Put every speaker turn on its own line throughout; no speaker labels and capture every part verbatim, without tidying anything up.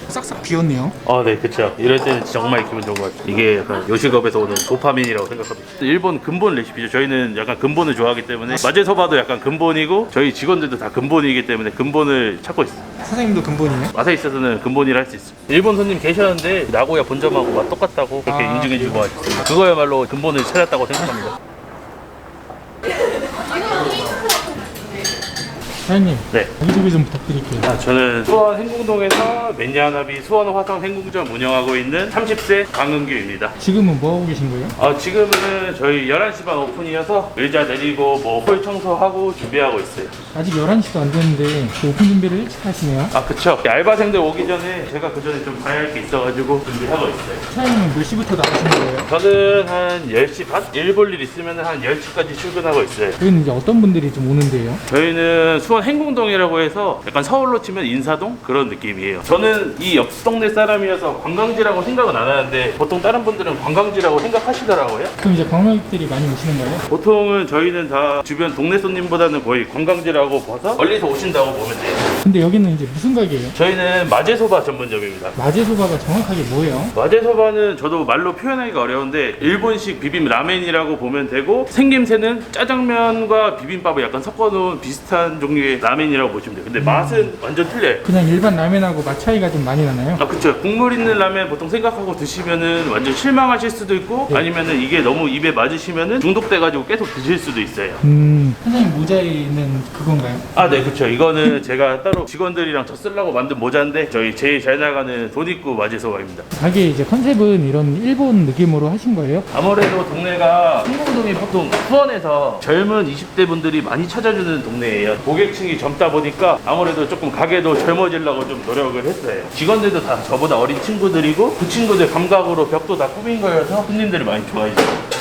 싹싹 비었네요.
아, 네, 그쵸. 이럴 때는 정말 기분 좋은 것 같아요. 이게 약간 요식업에서 오는 도파민이라고 생각합니다. 일본 근본 레시피죠. 저희는 약간 근본을 좋아하기 때문에 마제소바도 약간 근본이고 저희 직원들도 다 근본이기 때문에 근본을 찾고 있어요.
사장님도 근본이에요?
맛에 있어서는 근본이라 할 수 있어요. 일본 손님 계셨는데 나고야 본점하고 맛 똑같다고 그렇게
아,
인증해주고 하셨습니다. 그거야말로 근본을 찾았다고 생각합니다.
사장님,
네.
자기소개 좀 부탁드릴게요.
아, 저는 수원 행궁동에서 맨야나비 수원 화성 행궁점 운영하고 있는 삼십 세 강은규입니다.
지금은 뭐 하고 계신 거예요?
어, 지금은 저희 열한 시 반 오픈이어서 의자 내리고 뭐 홀 청소하고 준비하고 있어요.
아직 열한 시도 안 됐는데 그 오픈 준비를 일찍 하시네요.
아, 그쵸. 알바생들 오기 전에 제가 그 전에 좀 봐야 할 게 있어가지고 준비하고 있어요.
사장님은 몇 시부터 나가시는 거예요?
저는 한 열 시 반? 일 볼 일 있으면 한 열 시까지 출근하고 있어요.
여기는 이제 어떤 분들이 좀 오는데요?
저희는 수원 행궁동이라고 해서 약간 서울로 치면 인사동 그런 느낌이에요. 저는 이 옆 동네 사람이어서 관광지라고 생각은 안 하는데 보통 다른 분들은 관광지라고 생각하시더라고요.
그럼 이제 관광객들이 많이 오시는 거예요?
보통은 저희는 다 주변 동네 손님보다는 거의 관광지라고 봐서 멀리서 오신다고 보면 돼요.
근데 여기는 이제 무슨 가게예요?
저희는 마제소바 전문점입니다.
마제소바가 정확하게 뭐예요?
마제소바는 저도 말로 표현하기가 어려운데 일본식 비빔 라멘이라고 보면 되고 생김새는 짜장면과 비빔밥을 약간 섞어놓은 비슷한 종류의 라멘이라고 보시면 돼요. 근데 맛은 완전 틀려요.
그냥 일반 라면하고 맛 차이가 좀 많이 나나요?
아, 그쵸. 국물 있는 라면 보통 생각하고 드시면은 완전 실망하실 수도 있고
네.
아니면은 이게 너무 입에 맞으시면은 중독돼가지고 계속 드실 수도 있어요.
음, 사장님 모자에 있는 그건가요?
아, 네, 그쵸. 이거는 제가 따로 직원들이랑 저 쓰려고 만든 모자인데 저희 제일 잘 나가는 돈 있고 마제소바입니다.
가게 이제 컨셉은 이런 일본 느낌으로 하신 거예요?
아무래도 동네가 행궁동이 보통 수원에서 젊은 이십 대 분들이 많이 찾아주는 동네예요. 고객층이 젊다 보니까 아무래도 조금 가게도 젊어지려고 좀 노력을 했어요. 직원들도 다 저보다 어린 친구들이고 그 친구들 감각으로 벽도 다 꾸민 거여서 손님들이 많이 좋아해주세요.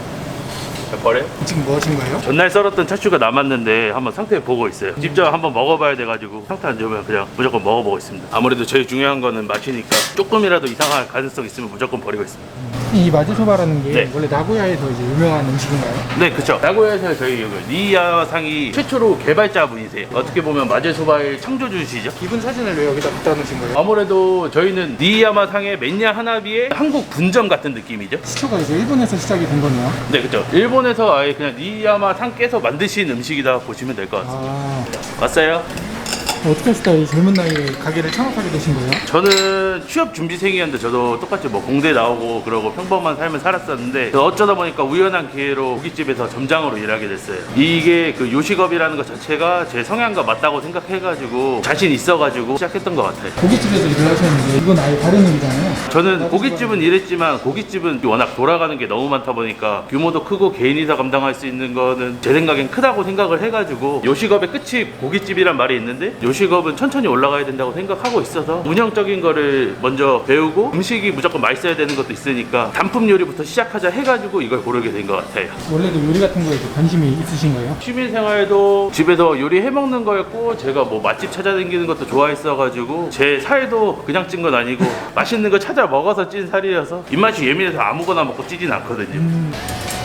버려?
지금 뭐 하신 거예요?
전날 썰었던 차슈가 남았는데 한번 상태 보고 있어요. 직접 한번 먹어봐야 돼가지고 상태 안 좋으면 그냥 무조건 먹어보고 있습니다. 아무래도 제일 중요한 거는 맛이니까 조금이라도 이상할 가능성 있으면 무조건 버리고 있습니다.
이 마제소바라는 게
네.
원래 나고야에서 이제 유명한 음식인가요?
네, 그쵸. 나고야에서 저희 여기 리야상이 최초로 개발자분이세요. 어떻게 보면 마제소바의 창조주시죠.
이분 사진을 왜 여기다 갖다 놓으신 거예요?
아무래도 저희는 니야마상의 맨야 하나비의 한국 분점 같은 느낌이죠.
시초가 이제 일본에서 시작이 된 거네요.
네, 그쵸. 일본에서 아예 그냥 니야마상께서 만드신 음식이다 보시면 될 것 같습니다.
아,
왔어요?
어떻게 하시다가 이 젊은 나이에 가게를 창업하게 되신 거예요?
저는 취업 준비생이었는데 저도 똑같이 뭐 공대 나오고 그러고 평범한 삶을 살았었는데 어쩌다 보니까 우연한 기회로 고깃집에서 점장으로 일하게 됐어요. 이게 그 요식업이라는 것 자체가 제 성향과 맞다고 생각해가지고 자신 있어가지고 시작했던 것 같아요.
고깃집에서 일을 하셨는데 이건 아예 다른 일이잖아요.
저는 고깃집은 일했지만 고깃집은 워낙 돌아가는 게 너무 많다 보니까 규모도 크고 개인이서 감당할 수 있는 거는 제 생각엔 크다고 생각을 해가지고 요식업의 끝이 고깃집이란 말이 있는데 요식업은 천천히 올라가야 된다고 생각하고 있어서 운영적인 거를 먼저 배우고 음식이 무조건 맛있어야 되는 것도 있으니까 단품 요리부터 시작하자 해가지고 이걸 고르게 된 것 같아요.
원래도 요리 같은 거에 관심이 있으신 거예요?
취미생활도 집에서 요리해 먹는 거였고 제가 뭐 맛집 찾아다니는 것도 좋아했어가지고 제 살도 그냥 찐 건 아니고 맛있는 거 찾아 먹어서 찐 살이어서 입맛이 예민해서 아무거나 먹고 찌진 않거든요.
음,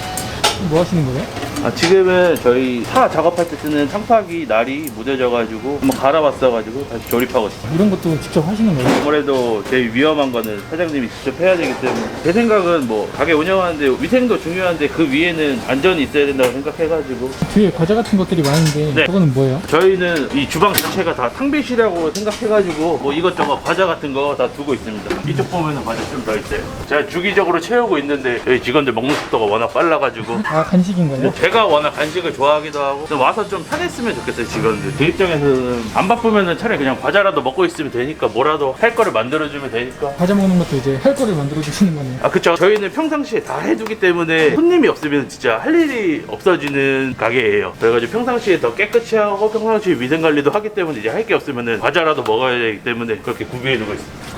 뭐 하시는 거예요?
아, 지금은 저희 차 작업할 때 쓰는 창파기 날이 무뎌져가지고 한번 갈아봤어가지고 다시 조립하고 있어요.
이런 것도 직접 하시는 거예요?
아무래도 제일 위험한 거는 사장님이 직접 해야 되기 때문에 제 생각은 뭐 가게 운영하는데 위생도 중요한데 그 위에는 안전이 있어야 된다고 생각해가지고
뒤에 과자 같은 것들이 많은데
네.
그거는 뭐예요?
저희는 이 주방 자체가 다 탕비실이라고 생각해가지고 뭐 이것저것 과자 같은 거 다 두고 있습니다. 이쪽 보면은 과자 좀 더 있어요. 제가 주기적으로 채우고 있는데 저희 직원들 먹는 속도가 워낙 빨라가지고
아, 간식인 거예요?
제가 워낙 간식을 좋아하기도 하고 좀 와서 좀 편했으면 좋겠어요. 직원들 제 입장에서는 안 바쁘면은 차라리 그냥 과자라도 먹고 있으면 되니까 뭐라도 할 거를 만들어주면 되니까.
과자 먹는 것도 이제 할 거를 만들어 주시는 거네요.
아, 그쵸. 저희는 평상시에 다 해두기 때문에 손님이 없으면 진짜 할 일이 없어지는 가게예요. 그래가지고 평상시에 더 깨끗이 하고 평상시에 위생관리도 하기 때문에 이제 할 게 없으면은 과자라도 먹어야 되기 때문에 그렇게 구비해두고 있습니다.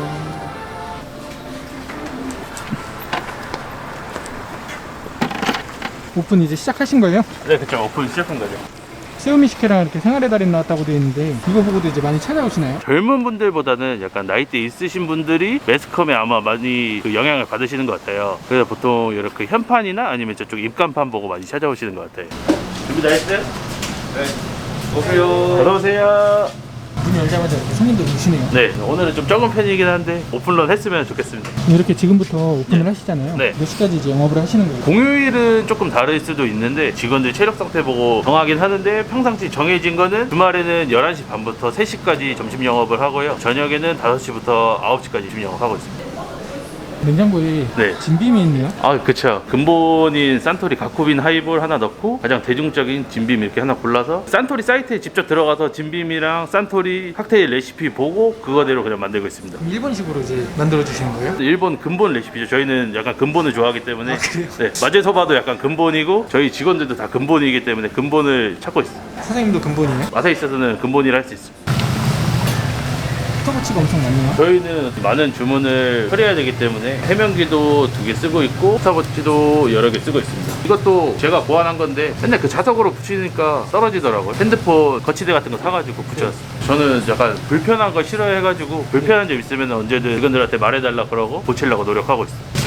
오픈 이제 시작하신 거예요?
네, 그쵸. 오픈 시작한 거죠.
세우미식회랑 이렇게 생활의 달인 나왔다고 되어 있는데 이거 보고도 이제 많이 찾아오시나요?
젊은 분들보다는 약간 나이대 있으신 분들이 매스컴에 아마 많이 그 영향을 받으시는 것 같아요. 그래서 보통 이렇게 현판이나 아니면 저쪽 입간판 보고 많이 찾아오시는 것 같아요. 준비 다 했어요? 네. 오세요. 어서 오세요.
문 열자마자 이렇게 손님들 오시네요.
네, 오늘은 좀 적은 편이긴 한데 오픈런 했으면 좋겠습니다.
이렇게 지금부터 오픈을
네.
하시잖아요.
네.
몇 시까지 이제 영업을 하시는 거예요?
공휴일은 조금 다를 수도 있는데 직원들 체력 상태 보고 정하긴 하는데 평상시 정해진 거는 주말에는 열한 시 반부터 세 시까지 점심 영업을 하고요. 저녁에는 다섯 시부터 아홉 시까지 점심 영업하고 있습니다.
냉장고에
네.
진빔이 있네요.
아, 그쵸. 근본인 산토리 가쿠빈 하이볼 하나 넣고 가장 대중적인 진빔 이렇게 하나 골라서 산토리 사이트에 직접 들어가서 진빔이랑 산토리 칵테일 레시피 보고 그거대로 그냥 만들고 있습니다.
그럼 일본식으로 이제 만들어 주시는 거예요?
일본 근본 레시피죠. 저희는 약간 근본을 좋아하기 때문에.
아, 그래요?
네, 마제소바도 약간 근본이고 저희 직원들도 다 근본이기 때문에 근본을 찾고 있어요.
사장님도 근본이에요?
맛에 있어서는 근본이라 할 수 있습니다.
스타버치가 엄청 많네요.
저희는 많은 주문을 처리해야 되기 때문에 해명기도 두 개 쓰고 있고 스타버치도 여러 개 쓰고 있습니다. 이것도 제가 고안한 건데 맨날 그 자석으로 붙이니까 떨어지더라고요. 핸드폰 거치대 같은 거 사가지고 붙였어요. 저는 약간 불편한 거 싫어해가지고 불편한 점 있으면 언제든 직원들한테 말해달라 그러고 고치려고 노력하고 있어요.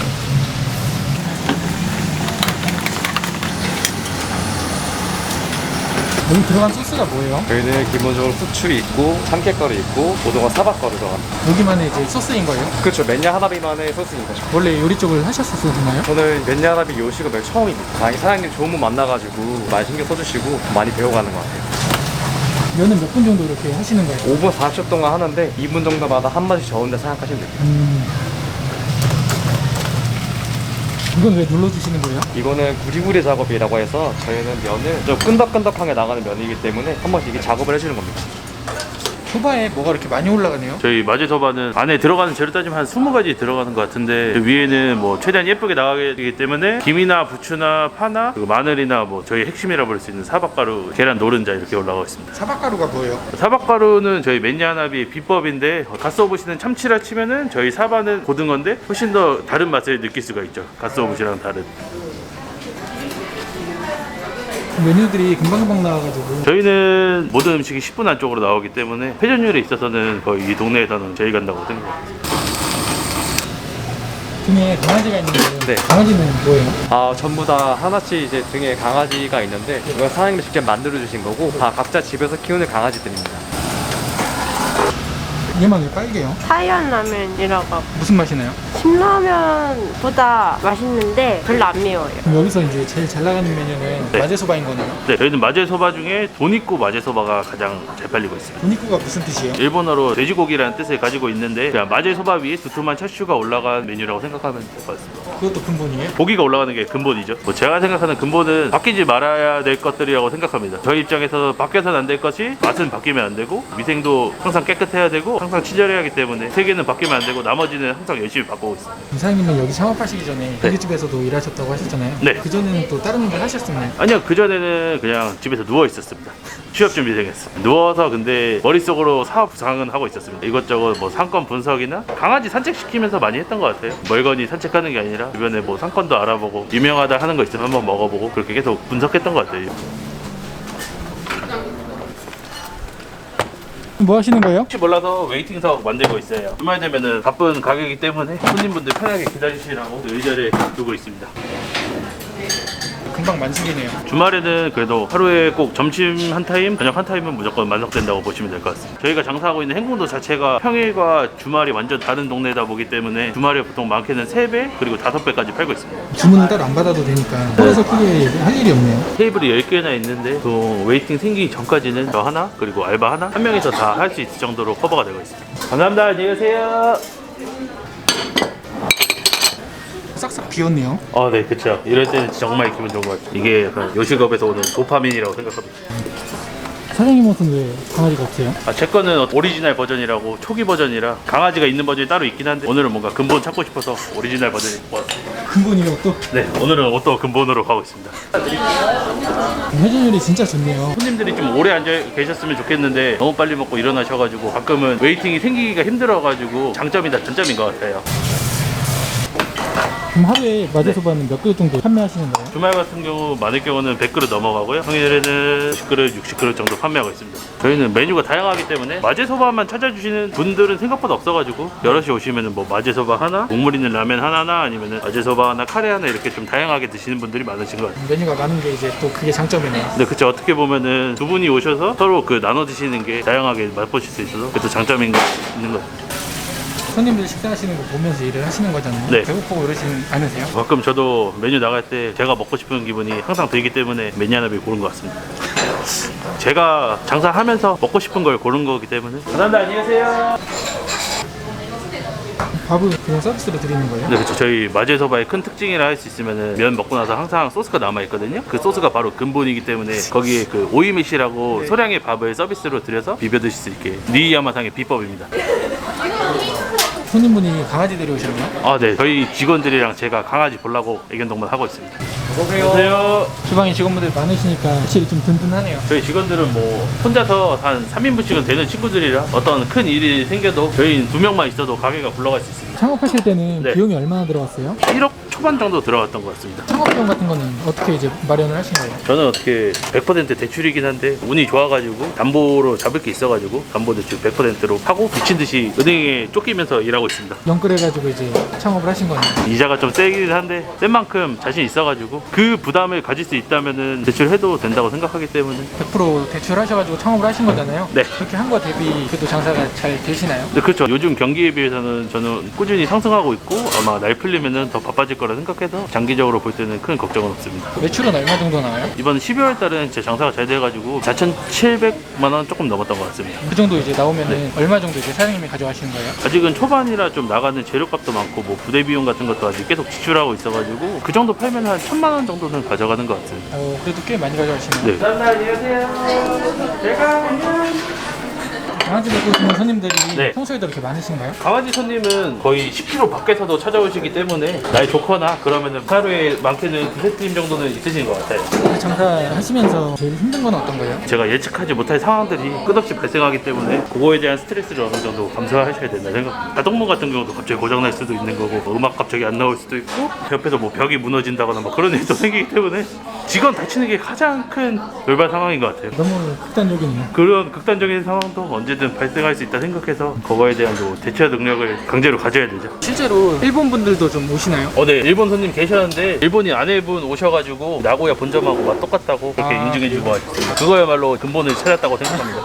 여기 들어간 소스가 뭐예요?
저희는 기본적으로 후추 있고 참깨가루 있고 고등어 사박가루 들어갑니다.
여기만의 이제 소스인 거예요?
그렇죠. 맨야 하나비만의 소스인 거죠.
원래 요리 쪽을 하셨었나요?
저는 맨야 하나비 요식업의 처음입니다. 다행히 사장님 좋은 분 만나가지고 많이 신경 써주시고 많이 배워가는 것 같아요.
면은 몇 분 정도 이렇게 하시는 거예요?
오 분 사십 초 동안 하는데 이 분 정도마다 한 마디 저은다 생각하시면 돼요.
음... 이건 왜 눌러주시는 거예요?
이거는 구리구리 작업이라고 해서 저희는 면을 좀 끈덕끈덕하게 나가는 면이기 때문에 한 번씩 이게 작업을 해주는 겁니다.
소바에 뭐가 이렇게 많이 올라가네요?
저희 마제소바는 안에 들어가는 재료 따지면 한 스무 가지 들어가는 것 같은데 그 위에는 뭐 최대한 예쁘게 나가게 되기 때문에 김이나 부추나 파나 그리고 마늘이나 뭐 저희 핵심이라고 부를 수 있는 사박가루, 계란 노른자 이렇게 올라가고 있습니다.
사박가루가 뭐예요?
사박가루는 저희 맨야나비 비법인데 갓소부시는 참치라 치면은 저희 사바는 고등어인데 훨씬 더 다른 맛을 느낄 수가 있죠. 갓소부시랑 다른.
메뉴들이 금방금방 나와가지고
저희는 모든 음식이 십 분 안쪽으로 나오기 때문에 회전율에 있어서는 거의 이 동네에서는 제일 간다고 생각합니다.
등에 강아지가 있는데
네.
강아지는 뭐예요?
아 전부 다 하나씩 이제 등에 강아지가 있는데 이건 사장님이 직접 만들어 주신 거고 다 각자 집에서 키우는 강아지들입니다.
얘만 왜 빨개요?
하얀 라면이라고.
무슨 맛이 나요?
신라면보다 맛있는데 별로 안 매워요.
그럼 여기서 이제 제일 잘 나가는 메뉴는
네.
마제소바인 거네요?
네, 저희는 마제소바 중에 돈 있고 마제소바가 가장 잘 팔리고 있습니다.
도니쿠가 무슨 뜻이에요?
일본어로 돼지고기라는 뜻을 가지고 있는데 그냥 마제소바 위에 두툼한 차슈가 올라간 메뉴라고 생각하면 될 것 같습니다.
그것도 근본이에요?
고기가 올라가는 게 근본이죠. 뭐 제가 생각하는 근본은 바뀌지 말아야 될 것들이라고 생각합니다. 저희 입장에서 바뀌어서는 안 될 것이 맛은 바뀌면 안 되고 위생도 항상 깨끗해야 되고 항상 친절해야 하기 때문에 세 개는 바뀌면 안 되고 나머지는 항상 열심히 바꾸고 있습니다.
사장님은 여기 창업하시기 전에 고깃집에서도 일하셨다고 하셨잖아요.
네.
그전에는 또 다른 일 하셨었나요?
아니요, 그전에는 그냥 집에서 누워 있었습니다. 취업 준비생했어요. 누워서 근데 머릿속으로 사업 구상은 하고 있었습니다. 이것저것 뭐 상권 분석이나 강아지 산책시키면서 많이 했던 것 같아요. 멀거니 산책하는 게 아니라 주변에 뭐 상권도 알아보고 유명하다 하는 거 있으면 한번 먹어보고 그렇게 계속 분석했던 것 같아요.
뭐 하시는 거예요?
혹시 몰라서 웨이팅석 만들고 있어요. 주말 되면은 바쁜 가게이기 때문에 손님분들 편하게 기다리시라고 의자를 두고 있습니다.
금방 만식이네요.
주말에는 그래도 하루에 꼭 점심 한 타임, 저녁 한 타임은 무조건 만석된다고 보시면 될 것 같습니다. 저희가 장사하고 있는 행궁도 자체가 평일과 주말이 완전 다른 동네다 보기 때문에 주말에 보통 많게는 세 배 그리고 다섯 배까지 팔고 있습니다.
주문은 따로 안 받아도 되니까 홀에서 크게 할 일이 없네요.
테이블이 열 개나 있는데 또 웨이팅 생기기 전까지는 저 하나 그리고 알바 하나 한 명이서 다 할 수 있을 정도로 커버가 되고 있습니다. 감사합니다. 안녕히 계세요.
싹싹 비었네요.
아, 네, 그쵸. 이럴 때는 정말 기분 좋은 것 같아요. 이게 약간 요식업에서 오는 도파민이라고 생각합니다.
사장님 옷은 왜 강아지가 없어요?
아, 제 거는 오리지널 버전이라고 초기 버전이라 강아지가 있는 버전이 따로 있긴 한데 오늘은 뭔가 근본 찾고 싶어서 오리지널 버전을 입고 왔습니다.
근본이요 또?
네, 오늘은 옷도 근본으로 가고 있습니다.
회전율이 진짜 좋네요.
손님들이 좀 오래 앉아 계셨으면 좋겠는데 너무 빨리 먹고 일어나셔가지고 가끔은 웨이팅이 생기기가 힘들어가지고 장점이다 단점인 것 같아요.
그럼 하루에 마제소바는 몇 그릇 정도 판매하시는 거예요?
주말 같은 경우 많을 경우는 백 그릇 넘어가고요. 평일에는 오십 그릇, 육십 그릇 정도 판매하고 있습니다. 저희는 메뉴가 다양하기 때문에 마제소바만 찾아주시는 분들은 생각보다 없어가지고 여럿이 오시면은 뭐 마제소바 하나, 국물 있는 라면 하나나 아니면은 마제소바 하나, 카레 하나 이렇게 좀 다양하게 드시는 분들이 많으신 것 같아요.
메뉴가 많은 게 이제 또 그게 장점이네요.
근데 그쵸, 어떻게 보면은 두 분이 오셔서 서로 그 나눠 드시는 게 다양하게 맛보실 수 있어서 그것도 장점인 거 있는 것 같아요.
손님들 식사하시는 거 보면서 일을 하시는 거잖아요.
네.
배고프고 그러시는 않으세요?
가끔 저도 메뉴 나갈 때 제가 먹고 싶은 기분이 항상 들기 때문에 메뉴 하나를 고른 것 같습니다. 제가 장사하면서 먹고 싶은 걸 고른 거기 때문에. 감사합니다. 안녕히 계세요.
밥을 그냥 서비스로 드리는 거예요?
네, 그렇죠. 저희 마제소바의 큰 특징이라 할 수 있으면은 면 먹고 나서 항상 소스가 남아 있거든요. 그 소스가 바로 근본이기 때문에 거기에 그 오이메시라고 소량의 밥을 서비스로 드려서 비벼 드실 수 있게 니이야마상의 비법입니다.
손님분이 강아지 데려오셨나요?
아, 네. 저희 직원들이랑 제가 강아지 보려고 애견동반 하고 있습니다. 안녕하세요.
주방에 직원분들 많으시니까 확실히 좀 든든하네요.
저희 직원들은 뭐 혼자서 한 삼 인분씩은 되는 친구들이라 어떤 큰 일이 생겨도 저희 두 명만 있어도 가게가 굴러갈 수 있습니다.
창업하실 때는
네.
비용이 얼마나 들어갔어요?
일억 초반 정도 들어갔던 것 같습니다.
창업 비용 같은 거는 어떻게 이제 마련을 하신 거예요?
저는 어떻게 백 퍼센트 대출이긴 한데 운이 좋아가지고 담보로 잡을 게 있어가지고 담보 대출 백 퍼센트로 하고 미친 듯이 은행에 쫓기면서 일하고 있습니다.
연끌해가지고 이제 창업을 하신 거네요.
이자가 좀 세긴 한데 센 만큼 자신 있어가지고 그 부담을 가질 수 있다면은 대출해도 된다고 생각하기 때문에.
백 퍼센트 대출하셔가지고 창업을 하신 거잖아요.
네.
그렇게 한 거 대비 그래도 장사가 잘 되시나요?
네, 그렇죠. 요즘 경기에 비해서는 저는 꾸준히 상승하고 있고 아마 날 풀리면은 더 바빠질 거라 생각해서 장기적으로 볼 때는 큰 걱정은 없습니다.
매출은 얼마 정도 나와요?
이번 십이월 달은 제 장사가 잘 돼가지고 사천칠백만 원 조금 넘었던 것 같습니다.
그 정도 이제 나오면은
네.
얼마 정도 이제 사장님이 가져가시는 거예요?
아직은 초반이라 좀 나가는 재료값도 많고 뭐 부대 비용 같은 것도 아직 계속 지출하고 있어가지고 그 정도 팔면 한 천만 원 정도는 가져가는 것 같습니다.
어, 그래도 꽤 많이 가져가시네요.
네. 안녕하세요. 제가
강아지 데리고 오시는 손님들이
네.
평소에도 이렇게 많으신가요?
강아지 손님은 거의 십 킬로미터 밖에서도 찾아오시기 때문에 날 좋거나 그러면은 하루에 많게는 두세 팀 정도는 있으신 것 같아요.
장사하시면서 제일 힘든 건 어떤 거예요?
제가 예측하지 못할 상황들이 끝없이 발생하기 때문에 그거에 대한 스트레스를 어느 정도 감수하셔야 된다 생각. 자동문 같은 경우도 갑자기 고장날 수도 있는 거고 뭐 음악 갑자기 안 나올 수도 있고 옆에서 뭐 벽이 무너진다거나 뭐 그런 일도 생기기 때문에 직원 다치는 게 가장 큰 돌발 상황인 것 같아요.
너무 극단적이네요.
그런 극단적인 상황도 언제든 발생할 수 있다 생각해서 그거에 대한 뭐 대처 능력을 강제로 가져야 되죠.
실제로 일본 분들도 좀 오시나요?
어, 네. 일본 손님 계셨는데 일본인 아내분 오셔가지고 나고야 본점하고 맛 똑같다고 그렇게
아,
인증해주고 하셨습니다. 그거야말로 근본을 찾았다고 생각합니다.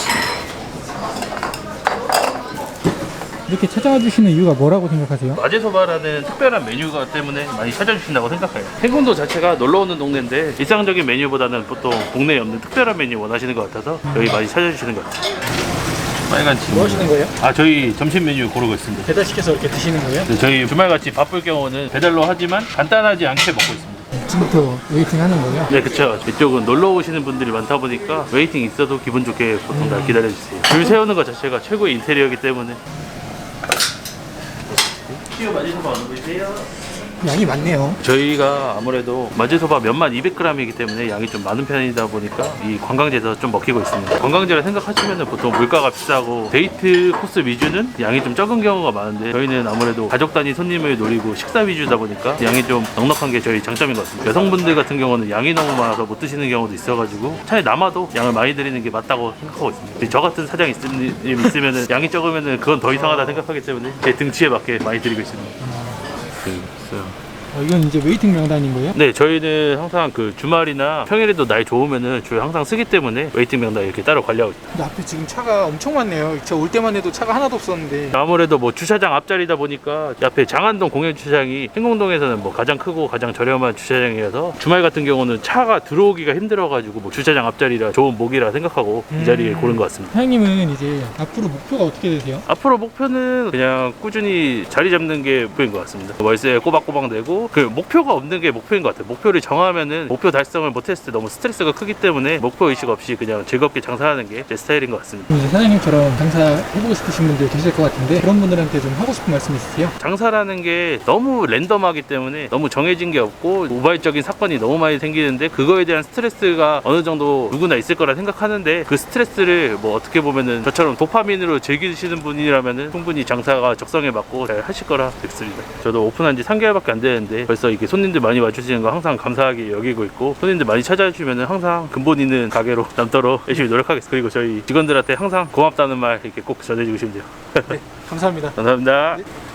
이렇게 찾아와 주시는 이유가 뭐라고 생각하세요?
마제소바라는 특별한 메뉴가 때문에 많이 찾아주신다고 생각해요. 행궁도 자체가 놀러오는 동네인데 일상적인 메뉴보다는 보통 동네에 없는 특별한 메뉴 원하시는 것 같아서 여기 많이 찾아주시는 것 같아요. 빨간 침.
뭐 하시는 거예요?
아, 저희 점심 메뉴 고르고 있습니다.
배달시켜서 이렇게 드시는 거예요?
네, 저희 주말같이 바쁠 경우는 배달로 하지만 간단하지 않게 먹고 있습니다.
지금부터 웨이팅 하는 거예요?
네, 그쵸. 이쪽은 놀러 오시는 분들이 많다 보니까 웨이팅 있어도 기분 좋게 보통 다 기다려주세요. 줄 세우는 것 자체가 최고의 인테리어이기 때문에. 치유 마제소바 어느 분이세요?
양이 많네요.
저희가 아무래도 마제소바 면만 이백 그램이기 때문에 양이 좀 많은 편이다 보니까 이 관광지에서 좀 먹히고 있습니다. 관광지라 생각하시면 보통 물가가 비싸고 데이트 코스 위주는 양이 좀 적은 경우가 많은데 저희는 아무래도 가족 단위 손님을 노리고 식사 위주다 보니까 양이 좀 넉넉한 게 저희 장점인 것 같습니다. 여성분들 같은 경우는 양이 너무 많아서 못 드시는 경우도 있어가지고 차라리 남아도 양을 많이 드리는 게 맞다고 생각하고 있습니다. 저 같은 사장 있으면 양이 적으면 그건 더 이상하다 생각하기 때문에 제 등치에 맞게 많이 드리고 있습니다. 그,
어, 이건 이제 웨이팅 명단인 거예요?
네, 저희는 항상 그 주말이나 평일에도 날 좋으면은 저희 항상 쓰기 때문에 웨이팅 명단 이렇게 따로 관리하고 있습니다.
근데 앞에 지금 차가 엄청 많네요. 저 올 때만 해도 차가 하나도 없었는데.
아무래도 뭐 주차장 앞자리다 보니까 옆에 장안동 공영 주차장이 행궁동에서는 뭐 가장 크고 가장 저렴한 주차장이라서 주말 같은 경우는 차가 들어오기가 힘들어가지고 뭐 주차장 앞자리라 좋은 목이라 생각하고 이 자리에 고른 것 같습니다.
사장님은 이제 앞으로 목표가 어떻게 되세요?
앞으로 목표는 그냥 꾸준히 자리 잡는 게 목표인 것 같습니다. 월세 꼬박꼬박 내고 그 목표가 없는 게 목표인 것 같아요. 목표를 정하면은 목표 달성을 못했을 때 너무 스트레스가 크기 때문에 목표 의식 없이 그냥 즐겁게 장사하는 게 제 스타일인 것 같습니다.
이제 사장님처럼 장사 해보고 싶으신 분들 계실 것 같은데 그런 분들한테 좀 하고 싶은 말씀 있으세요?
장사라는 게 너무 랜덤하기 때문에 너무 정해진 게 없고 우발적인 사건이 너무 많이 생기는데 그거에 대한 스트레스가 어느 정도 누구나 있을 거라 생각하는데 그 스트레스를 뭐 어떻게 보면은 저처럼 도파민으로 즐기시는 분이라면은 충분히 장사가 적성에 맞고 잘 하실 거라 믿습니다. 저도 오픈한 지 삼 개월밖에 안 되는데 벌써 이게 손님들 많이 와주시는 거 항상 감사하게 여기고 있고 손님들 많이 찾아주시면은 항상 근본 있는 가게로 남도록 열심히 노력하겠습니다. 그리고 저희 직원들한테 항상 고맙다는 말 이렇게 꼭 전해주고 싶네요.
네, 감사합니다.
감사합니다.